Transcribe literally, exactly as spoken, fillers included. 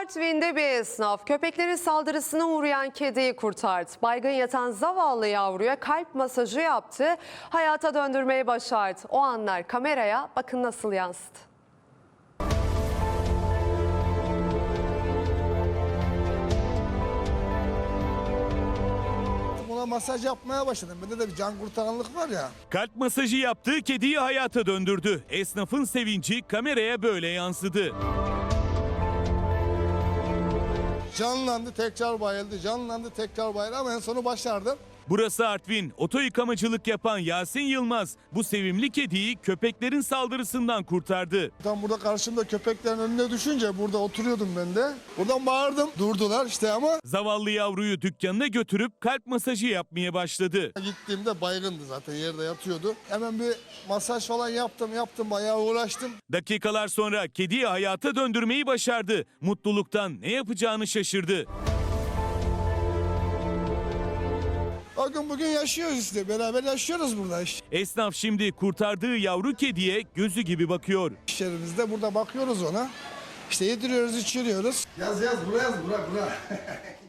Artvin'de bir esnaf köpeklerin saldırısına uğrayan kediyi kurtardı. Baygın yatan zavallı yavruya kalp masajı yaptı, hayata döndürmeyi başardı. O anlar kameraya bakın nasıl yansıdı. Ona masaj yapmaya başladım. Bende de bir can kurtaranlık var ya. Kalp masajı yaptığı kediyi hayata döndürdü. Esnafın sevinci kameraya böyle yansıdı. Canlandı, tekrar bayıldı, canlandı, tekrar bayıldı ama en sonu başardım. Burası Artvin. Oto yıkamacılık yapan Yasin Yılmaz bu sevimli kediyi köpeklerin saldırısından kurtardı. Tam burada karşımda köpeklerin önüne düşünce burada oturuyordum ben de. Buradan bağırdım. Durdular işte ama. Zavallı yavruyu dükkanına götürüp kalp masajı yapmaya başladı. Gittiğimde baygındı zaten, yerde yatıyordu. Hemen bir masaj falan yaptım, yaptım, bayağı uğraştım. Dakikalar sonra kediyi hayata döndürmeyi başardı. Mutluluktan ne yapacağını şaşırdı. Bakın bugün yaşıyoruz işte, beraber yaşıyoruz burada işte. Esnaf şimdi kurtardığı yavru kediye gözü gibi bakıyor. İş yerimizde burada bakıyoruz ona. İşte yediriyoruz, içiriyoruz. Yaz yaz, buraya yaz, bura bura.